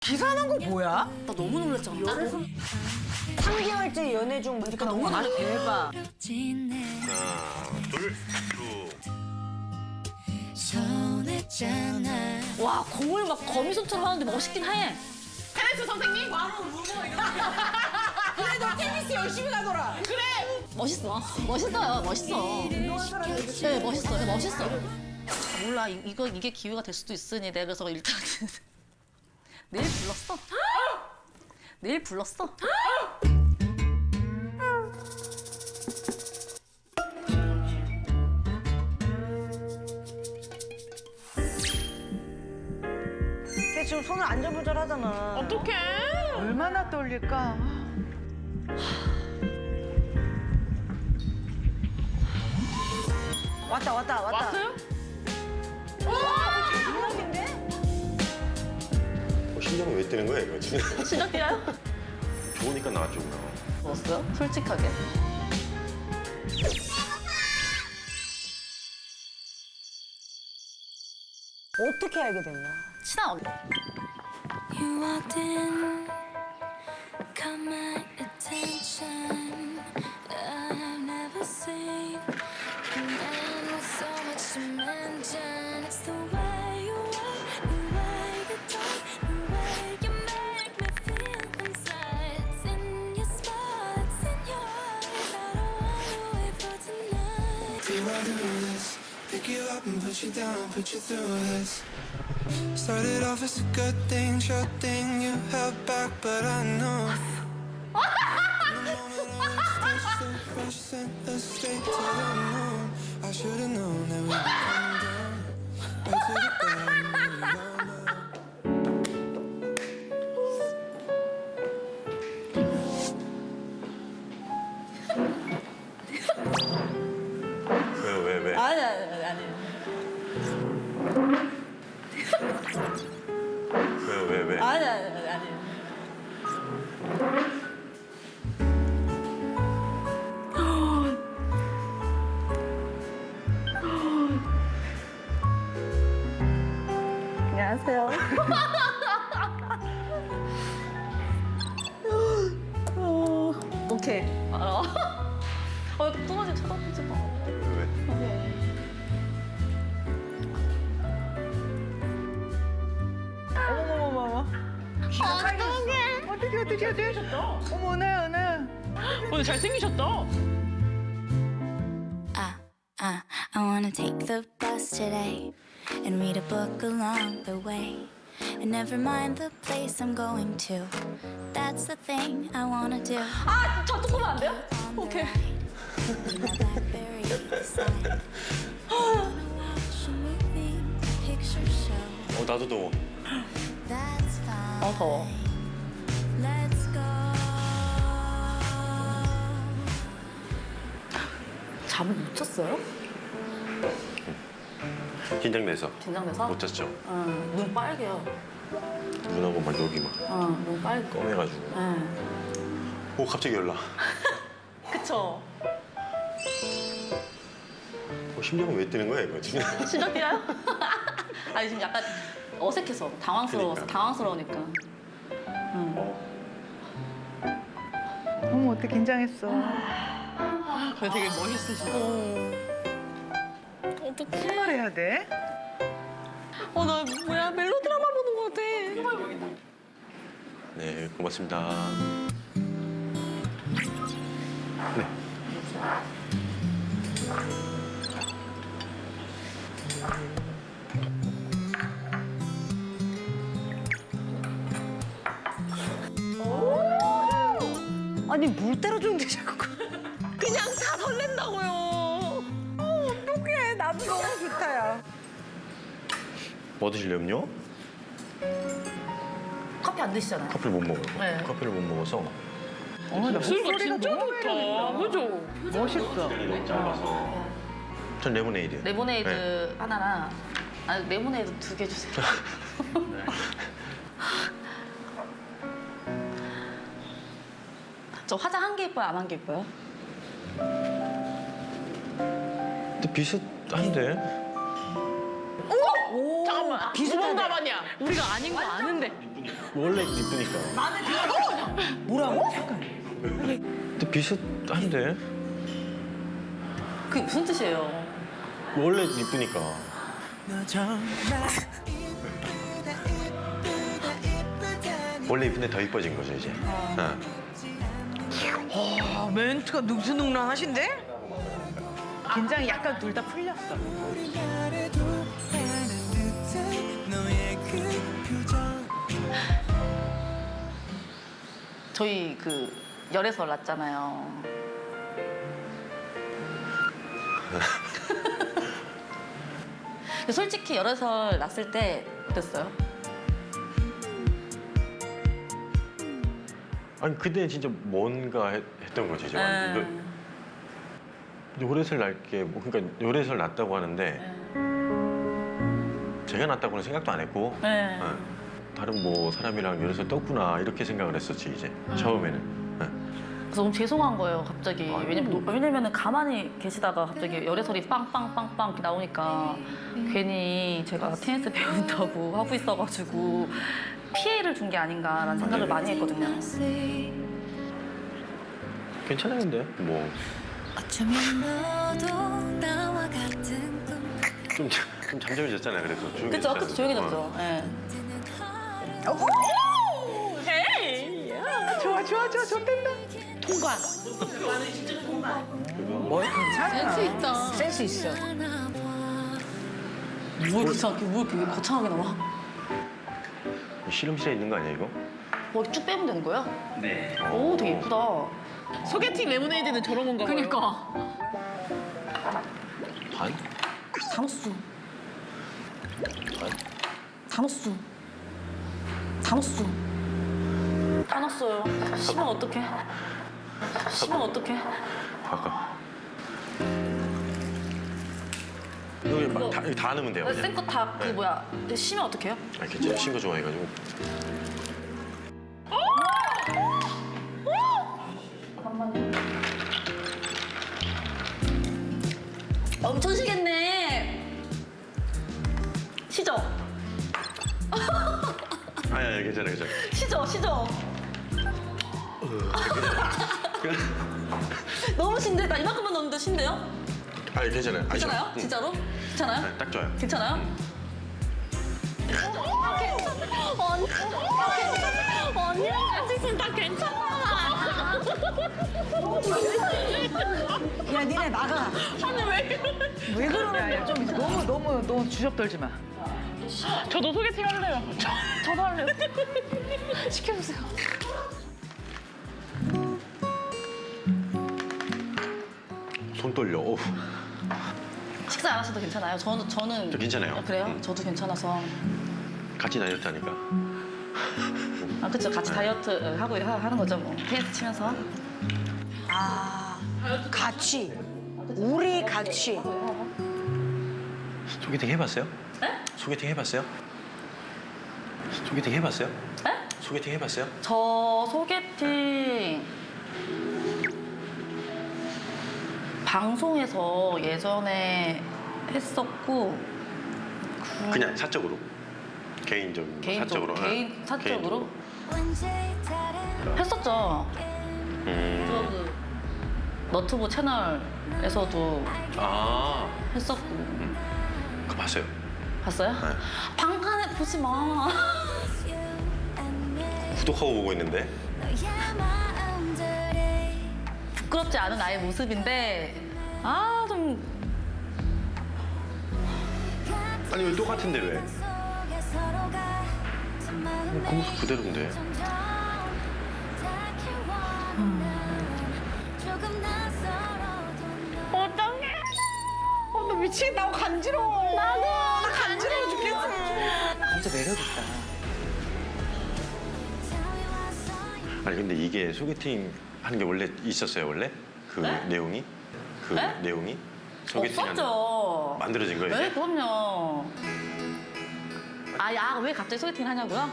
기사 난 거 뭐야? 나 너무 놀랐잖아. 3개월째 연애 중 문제가 너무 많아. 대박. 하나, 둘, 쭉. 와, 공을 막 거미손처럼 하는데 멋있긴 해. 테니스 선생님? 바로 울고 이렇게. 그래, 너 테니스 열심히 가더라. 그래. 멋있어. 멋있어요. 멋있어. 운동한 사람이 네, 멋있어. 멋있어. 몰라. 이게 기회가 될 수도 있으니 내가 그래서 일단은 내일 불렀어. 내일 불렀어. 걔 지금 손을 안절부절하잖아. 어떡해? 얼마나 떨릴까? 왔다. 왔어요? 심장이 왜 뛰는 거야, 이거 지금? 시작이야? 좋으니까 나왔죠, 그럼. 먹었어요? 솔직하게. 어떻게 알게 됐냐? 친한 언니. You walked in, caught my attention. I've never seen a man with so much dimension. It's the way you walk, the way you talk, the way you make me feel inside. It's in your smile, it's in your eyes. I don't wanna wait for tonight. Do I do this? Pick you up and put you down, put you through this. Started off as a good thing, sure thing. You held back, but I know. In the moment I was touched, so fresh, sent us straight to the moon. I should've known that we'd be coming down right to the ground. 왜? 아니. 왜? 아니. 안녕하세요. 오케이. 알아. 뚱아지 쳐다보지 마. 왜? 어머머머머. 어떡해. 어머, 은하. 오늘 잘생기셨다. I wanna take the bus today and read a book along the way. And never mind the place I'm going to. That's the thing I wanna do. 아, 저 조금 안 돼요? 오케이. In my Blackberry beside. Wanna watch a movie, picture show. 나도 더워. That's fine. 더워. Let's go. 잠을 못 잤어요? 긴장돼서. 긴장돼서? 못 잤죠. 응, 눈 빨개요. 눈하고 막 여기 막 눈 빨개. 검해가지고. 응. 오, 갑자기 연락. 그쵸? 심장이 왜 뛰는 거야, 이거 지금? 시작이야? 아니, 지금 약간 어색해서, 당황스러우니까. 어머, 어떻게 긴장했어. 되게 멋있으시다. 어떡해. 출발해야 돼? 나 뭐야, 멜로드라마 보는 것 같아. 네, 고맙습니다. 네. 아니, 물 때려주는데 자꾸. 그냥 다 설렌다고요. 어떡해. 나도 너무 좋다, 야. 뭐 드실래요, 음료? 커피 안 드시잖아요. 커피를 못 먹어요. 네. 커피를 못 먹어서. 나 목소리가 진짜 좋다. 그죠? 멋있어. 전 레모네이드요. 레모네이드 네. 하나랑, 아니, 레모네이드 2개 주세요. 저 화장 한 개 예뻐요, 안 한 개 예뻐요? 근데 비슷한데? 잠깐만. 비슷하네. 누군가 아니야. 우리가 아닌 거 아는데. 원래 이쁘니까. 뭐라고? 근데 비슷한데? 그게 무슨 뜻이에요? 원래 이쁘니까. 원래 이쁜데 더 이뻐진 거죠 이제. 어. 아, 멘트가 능수능란하신데? 긴장이 약간 둘 다 풀렸어. 저희 그 열애설 났잖아요. 솔직히 열애설 났을 때 어땠어요? 아니 그때 진짜 뭔가 했던 거지 이제. 완전. 요래설 날게 뭐 그러니까 요래설 났다고 하는데 제가 났다고는 생각도 안 했고 네. 다른 뭐 사람이랑 요래설 떴구나 이렇게 생각을 했었지 이제 처음에는. 그래서 너무 죄송한 거예요, 갑자기. 왜냐면은 가만히 계시다가 갑자기 열애설이 빵빵빵빵 이렇게 나오니까 괜히 제가 테니스 배운다고 하고 있어가지고 피해를 준 게 아닌가라는 생각을 많이 했거든요. 괜찮아요 근데 뭐 어쩌면 너도 나와 같은 꿈 좀 잠잠해졌잖아요 그래서 그쵸? 조용해졌잖아요. 그쵸? 조용해졌죠. 예. 좋아, 좋아, 좋아, 좋댄다. 통과. 뭘 괜찮아. 센스 있다. 센스 있어. 뭘 귀찮게, 뭘 이렇게 거창하게 나와? 실험실에 있는 거 아니야 이거? 뭐 쭉 빼면 되는 거야? 네. 오, 되게 예쁘다. 소개팅 레모네이드는 저런 건가 봐요. 그니까. 반? 당수. 당수. 당수. 따놨어요. 심면 어떡해? 심면 어떡해? 아까 여기 여기 다 넣으면 돼요 그냥. 생거 다 그 네. 뭐야? 심면 어떡해요? 아 괜찮아요 신거 좋아해가지고. 엄청 시겠네. 시죠? 아니 괜찮아요 괜찮아요. 시죠? 시죠? 너무 신데? 나 이만큼만 넣는데 신데요? 아니 괜찮아요. 괜찮아요? 응. 진짜로? 괜찮아요? 네, 딱 좋아요. 괜찮아요? 언니랑 같이 있으면 다 괜찮아. 야, 니네 나가. 아니 왜 왜 그러냐, 야. 좀 너무 주접 떨지 마. 저도 소개팅 할래요. 저도 할래요. 시켜주세요. 손 떨려. 어우. 식사 안 하셔도 괜찮아요. 저는 저 괜찮아요. 아, 그래요? 응. 저도 괜찮아서. 같이 다이어트 하니까. 아 그쵸? 네. 같이 다이어트 하고 하는 거죠 뭐. 테니스 치면서. 아, 같이. 우리 같이. 소개팅 해봤어요? 네? 소개팅 해봤어요? 소개팅 해봤어요? 네? 소개팅 해봤어요? 저 소개팅 방송에서 예전에 했었고 그냥 사적으로. 개인적으로. 사적으로. 개인 사적으로 언제 다른 했었죠. 음. 그 너튜브 채널에서도 아. 했었고 그거 봤어요. 봤어요? 네. 방간에 보지 마. 구독하고 보고 있는데. 너의 마음들이 부끄럽지 않은 나의 모습인데 좀 아니 왜 똑같은데 왜? 속에 서로가 그 마음에 그 모습 그대로인데. 점점 조금 낯설어도 어떡해. 나 미치겠다. 나 간지러워. 나도. 나 간지러워 죽겠어. 진짜 매력있다. 아니 근데 이게 소개팅 하는 게 원래 있었어요 원래? 그 네? 내용이? 그 네? 내용이? 소개팅 하는 없었죠. 만들어진 거예요 네, 이제? 그럼요. 왜 갑자기 소개팅 하냐고요?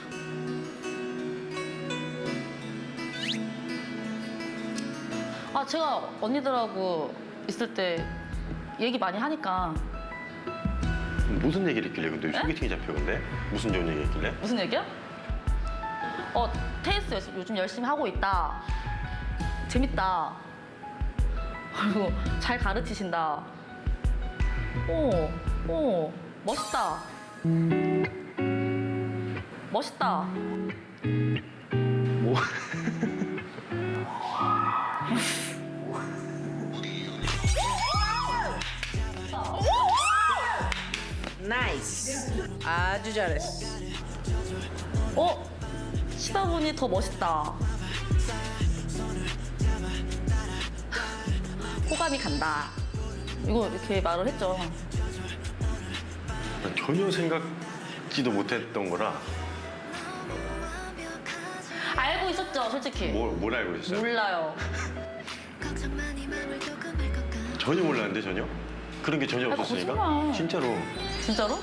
제가 언니들하고 있을 때 얘기 많이 하니까. 무슨 얘기를 했길래 근데 네? 소개팅이 잡혀 근데? 무슨 좋은 얘기 했길래? 무슨 얘기야? 테니스 요즘 열심히 하고 있다. 재밌다. 그리고 잘 가르치신다. 멋있다. 멋있다. 뭐? 나이스. 아주 잘했어. 치다 보니 더 멋있다. 호감이 간다. 이거 이렇게 말을 했죠. 난 전혀 생각지도 못했던 거라 알고 있었죠, 솔직히. 뭘 알고 있었어요? 몰라요. 전혀 몰랐는데 전혀? 그런 게 전혀 없었으니까? 거짓말. 진짜로. 진짜로?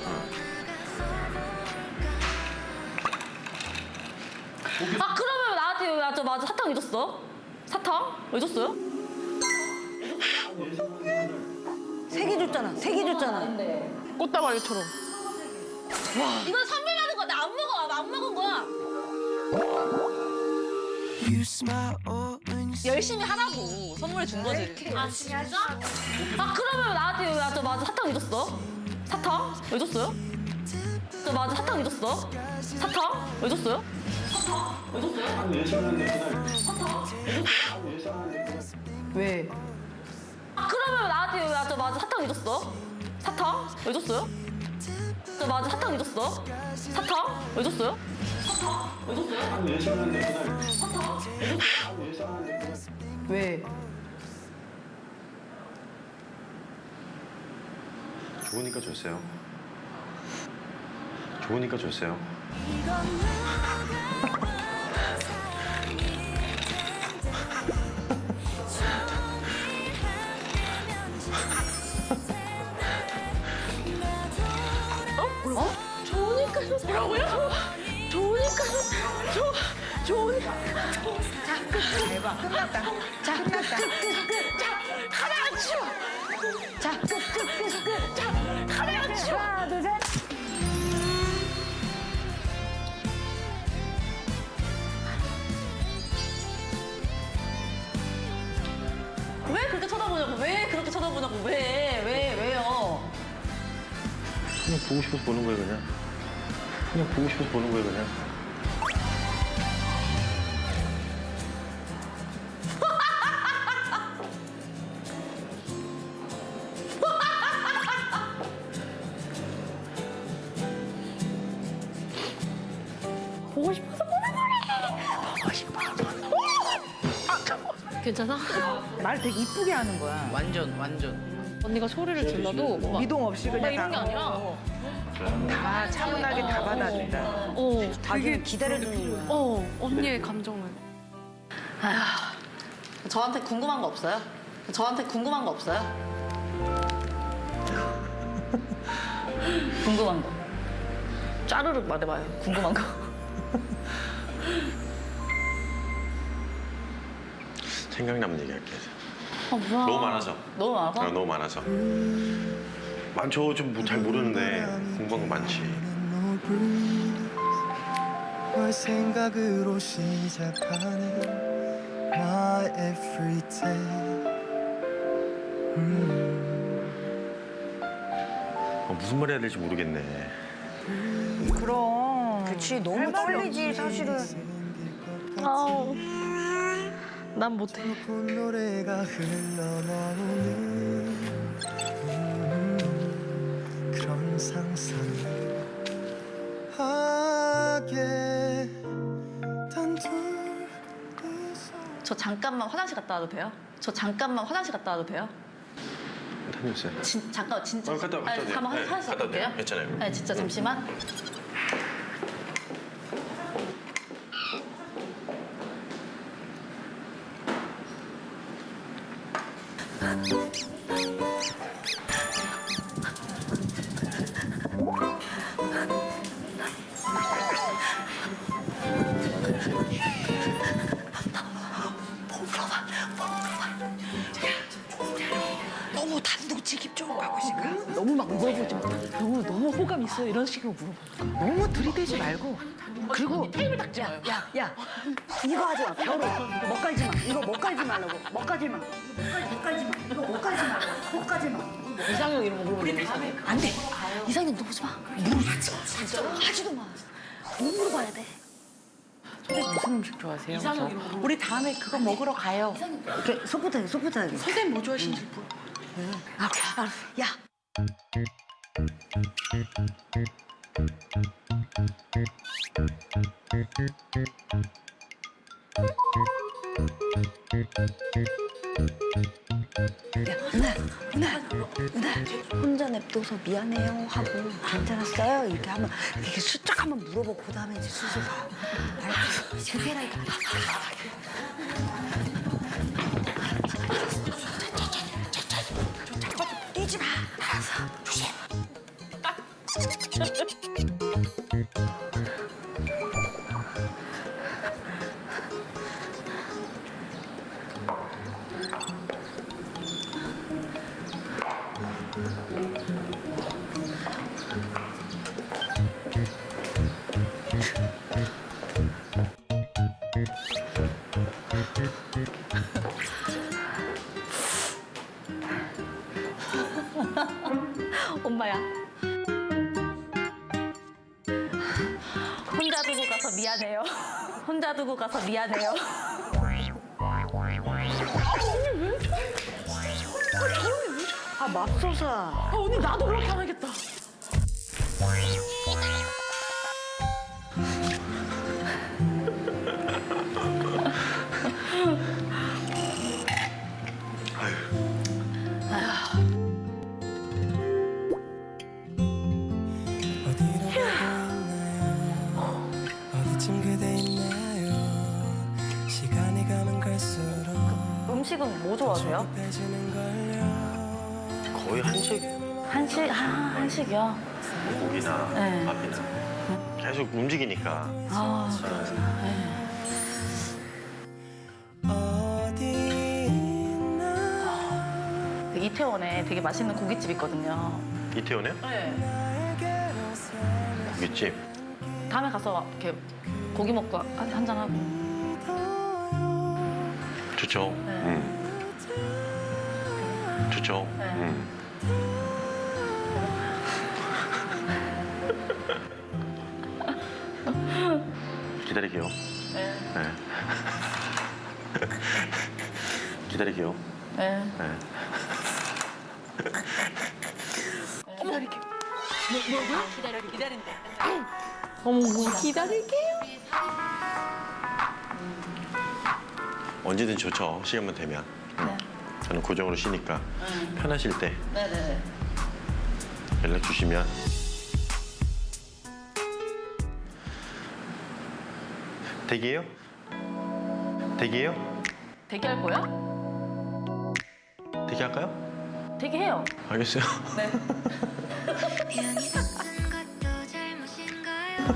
그러면 나한테 왜 맞아 사탕 잊었어? 사탕? 왜 줬어요? 세 개 줬잖아. 세 개 줬잖아. 꽃다발처럼. 이건 선물 받은 거야. 나 안 먹어. 안 먹은 거야. You smile when you 열심히 하라고 선물 준 거지. 진짜? 그러면 나한테 왜 맞아 사탕 잊었어? 사탕? 왜 줬어요? 맞아 사탕 잊었어? 사탕? 왜 줬어요? 왜? 그러면 나한테 왜 맞아 사탕 잊었어? 사탕? 왜 줬어요? 맞아 사탕 잊었어? 사탕? 왜 줬어요? 왜? 좋으니까 줬어요. 좋으니까 줬어요. 대박. 끝났다. 자, 끝났다. 하나 치워. 자, 끝. 자, 하나 치워. 하나, 둘, 셋. 왜 그렇게 쳐다보냐고? 왜 그렇게 쳐다보냐고? 왜요? 그냥 보고 싶어서 보는 거예요, 그냥. 그냥 보고 싶어서 보는 거예요, 그냥. 보고 싶어서 보는 거래. 보고 싶어. 괜찮아? 말 되게 이쁘게 하는 거야. 완전. 언니가 소리를 질러도 막 미동 없이 그냥 이런 게 다, 아니라 다 차분하게 다 받아준다. 되게 기다려주는 거야. 언니의 감정을. 저한테 궁금한 거 없어요? 궁금한 거. 짜르륵 말해봐요. 궁금한 거. 생각나면 얘기할게요. 뭐야. 너무 많아서. 너무 많아서? 너무 많아서. 많죠. 좀 잘 모르는데 공부한 거 많지. 뭘 생각으로 시작하는 my everyday. 무슨 말 해야 될지 모르겠네. 그럼. 그치, 너무 떨리지, 사실은. 아우. 난 못해. 본 노래가 흘러나오는 그런 상상을 하게 단둘이서. 저 잠깐만 화장실 갔다 와도 돼요? 다녀오세요. 잠깐 진짜. 갔다 와도 돼요. 잠깐만 네, 화장실 갔다 갔다 올게요. 와도 돼요. 괜찮아요. 네, 진짜 잠시만. 너무 단도직입적으로 가고 있으니까. 너무 막 물어보지 마. 너무 호감 있어 이런 식으로 물어봐. 너무 들이대지 말고 그리고 테이블 닦지 마요. 야 이거 하지 마. 벼로 못 깔지 마. 이거 못 깔지 말라고. 못 깔지 마. 못 깔지 마. 이거 못 깔지 마. 못 깔지 마. 이상형 이런 거 물어보면 돼. 안 돼. 이상형 물어보지 마. 물어보지 마. 진짜로. 하지도 마. 못 물어봐야 돼. 선생님 무슨 음식 좋아하세요? 이상형 그래서 이런 거. 우리 다음에 그거 먹으러 가요. 이렇게 속부터 선생님 뭐 좋아하시는지 물어. 알았어. 야. 은하 혼자 냅둬서 미안해요 하고 괜찮았어요 이렇게 하면 이렇게 슬쩍 한번 물어보고 그 다음에 이제 슬슬 가. 알았어. 지금 해라니까. 뛰지 마. 알았어. 조심. 엄마야. 혼자 두고 가서 미안해요. 혼자 두고 가서 미안해요. 아 맙소사. 아, 언니 나도 그렇게 안 하겠다. 어디로 가고 있나요? 어디쯤 그대 있나요? 시간이 가면 갈수록 음식은 뭐 좋아하세요? 급해지는 걸요. 거의 한식 한식? 한식이요? 고기나 네. 밥이나 계속 움직이니까. 아, 어디 있나 이태원에 되게 맛있는 고깃집 있거든요. 이태원에 네. 고깃집. 다음에 가서 이렇게 고기 먹고 한잔 하고. 좋죠. 네. 좋죠. 네. 기다릴게요. 네. 네. 기다릴게요. 네. 네. 언제든 좋죠. 시간만 되면. 네. 저는 고정으로 쉬니까 편하실 때 네네네. 연락 주시면 대기해요? 대기해요? 대기할 거야? 대기할까요? 대기해요. 알겠어요. 네. 미안이 같은 것도 잘못인가요?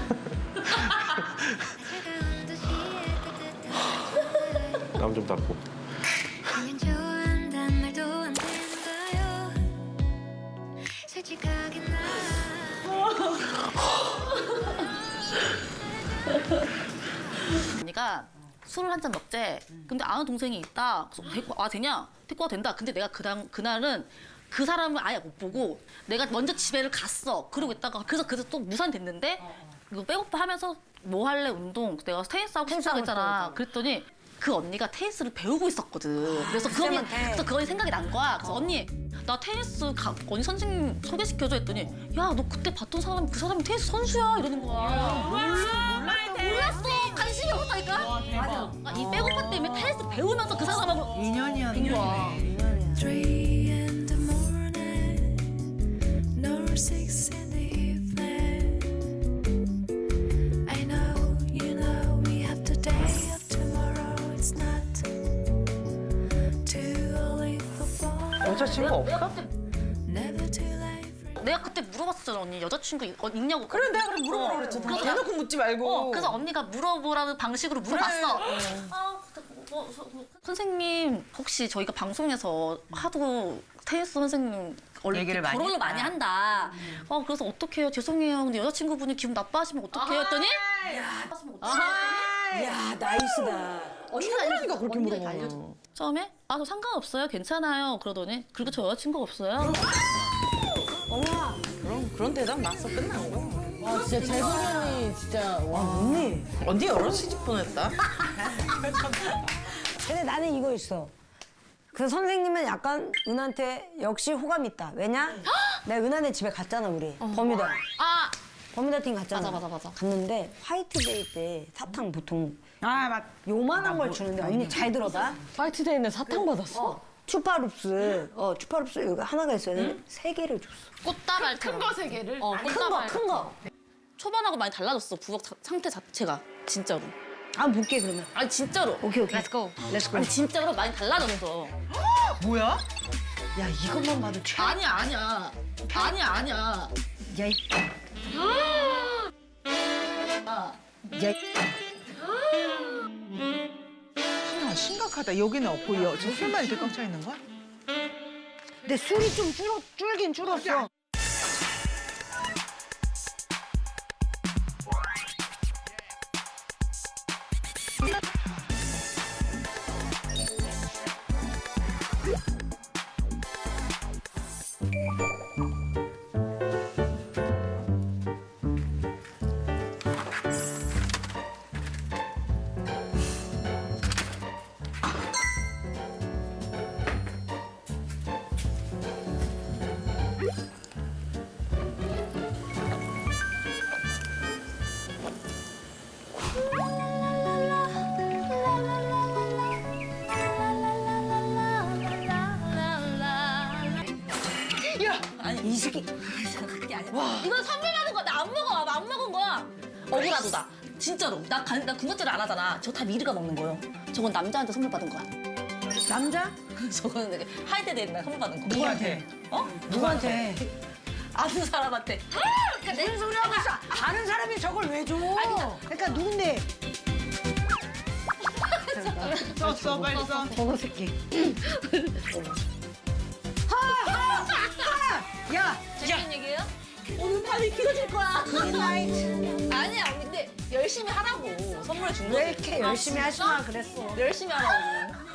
차가운 도시의 따뜻한 땀 좀 닦고. 그냥 좋아한단 말도 안 되는가요? 솔직하게 나 언니가 술을 한 잔 먹재. 근데 아는 동생이 있다. 그래서 데리고 와 되냐? 데리고 와 된다. 근데 내가 그날은 그 사람을 아예 못 보고 내가 먼저 집에를 갔어. 그러고 있다가 그래서 또 무산됐는데 이거 백오프 하면서 뭐 할래 운동. 내가 테니스 하고 싶다고 했잖아. 그랬더니 그 언니가 테니스를 배우고 있었거든. 그래서 그 언니 생각이 난 거야. 그래서 언니 나 테니스 언니 선생님 소개시켜줘 했더니 야 너 그때 봤던 사람 그 사람이 테니스 선수야 이러는 거야. 몰랐어. 관심이 없다니까. 맞아. 이 백오프 때문에 테니스 배우면서 그 사람하고 인연이었네. 거야. 3 in the morning, nor 6 in the evening. I know, you know, we have the day of tomorrow. It's not too early for fall, 여자친구 없어? never too late for 내가 그때 물어봤었잖아 언니 여자친구 있냐고. 그래 내가 그럼 물어보라 그랬잖아. 대놓고 묻지 말고. 그래서 언니가 물어보라는 방식으로 물어봤어. 선생님 혹시 저희가 방송에서 하도 테니스 선생님 원래 얘기를 많이 결혼을 했다. 많이 한다. 그래서 어떡해요? 죄송해요. 근데 여자친구분이 기분 나빠하시면 어떡해요? 했더니 야 나이스다. 친구라니까 그렇게 물어보면. 처음에 저 상관없어요. 괜찮아요. 그러더니 그리고 저 여자친구 없어요. 그런 대답 나서 끝난 거. 와 진짜 재성이 진짜 와. 언니 여러 시집 보냈다. 근데 나는 이거 있어. 그 선생님은 약간 은한테 역시 호감 있다. 왜냐? 내가 은한의 집에 갔잖아 우리. 버뮤다. 버뮤다 팀 갔잖아. 맞아. 갔는데 화이트데이 때 사탕 보통 아 맞. 요만한 걸 주는데 언니 잘 들어봐. 화이트데이는 사탕 받았어? 추파룹스. 추파룹스 여기 하나가 있어야 되는데 세 개를 줬어. 꽃다발 큰 거 세 개를? 큰 거. 초반하고 많이 달라졌어. 부엌 상태 자체가 진짜로. 한번 볼게 그러면. 아니 진짜로. 오케이. 렛츠고. 렛츠고. 아니 진짜로 많이 달라졌어. 뭐야? 야 이것만 봐도 최악. 아니야. 야, 이- 야, 심각하다. 여기는 없고 저 술만 이렇게 꽉 차 있는 거야? 근데 술이 좀 줄긴 줄었어. 이 새끼. 그게 아니야. 이건 선물 받은 거야. 나 안 먹어. 나 안 먹은 거야. 억울하다 나. 진짜로. 나 군것질을 안 하잖아. 저 다 미리가 먹는 거예요. 저건 남자한테 선물 받은 거야. 남자? 저거는 되게 하이데이 날 선물 받은 거. 누구한테? 누구한테? 아는 사람한테. 무슨 소리 하고 있어? 다른 사람이 저걸 왜 줘? 그러니까 누군데? 써 빨리 써. 저거 새끼. 야, 무슨 얘기예요? 오늘 밤이 길어질 거야. 굿나잇. 아니야. 근데 열심히 하라고. 선물해 준 거지. 왜 이렇게 열심히 하시나 그랬어. 열심히 하라고.